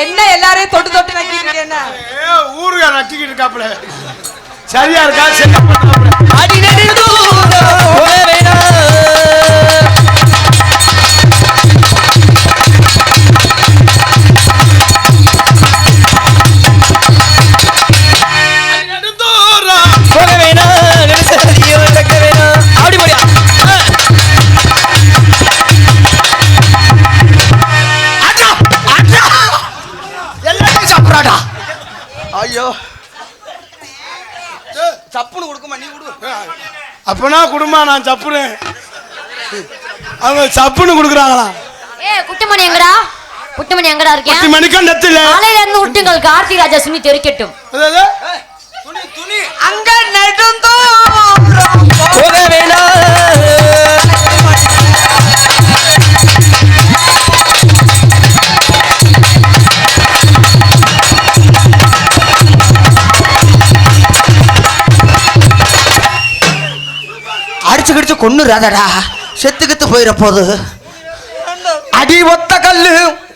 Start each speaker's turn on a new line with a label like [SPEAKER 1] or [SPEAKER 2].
[SPEAKER 1] என்ன எல்லாரையும் தொட்டு தொட்டு நக்கிட்டு என்ன
[SPEAKER 2] ஊருகா நக்கிட்டு இருக்காப்ல சரியா இருக்கா சரி
[SPEAKER 3] அடி நெடுந்தூரம் ஐயோ சப்புன்னு கொடுக்குமா நீ கொடு
[SPEAKER 2] அப்பனா குடுமா நான் சப்புனேன் அவங்க சப்புன்னு கொடுக்குறாங்களா
[SPEAKER 4] குட்டிமணி எங்கடா குட்டிமணி எங்கடா இருக்கேன்
[SPEAKER 2] குட்டிமணிக்கா நெத்தில
[SPEAKER 4] காலையில இருந்து விட்டுங்கள் கார்த்திக் ராஜா சுமி தெரிக்கட்டும்
[SPEAKER 3] துணி துணி
[SPEAKER 1] அங்க நெடுந்தூரம்
[SPEAKER 3] போக வேணாம் அடிச்சு கடிச்சு கொன்னுறாதடா செத்துக்கிட்டு போயிட போது அடி ஒத்த கல்லு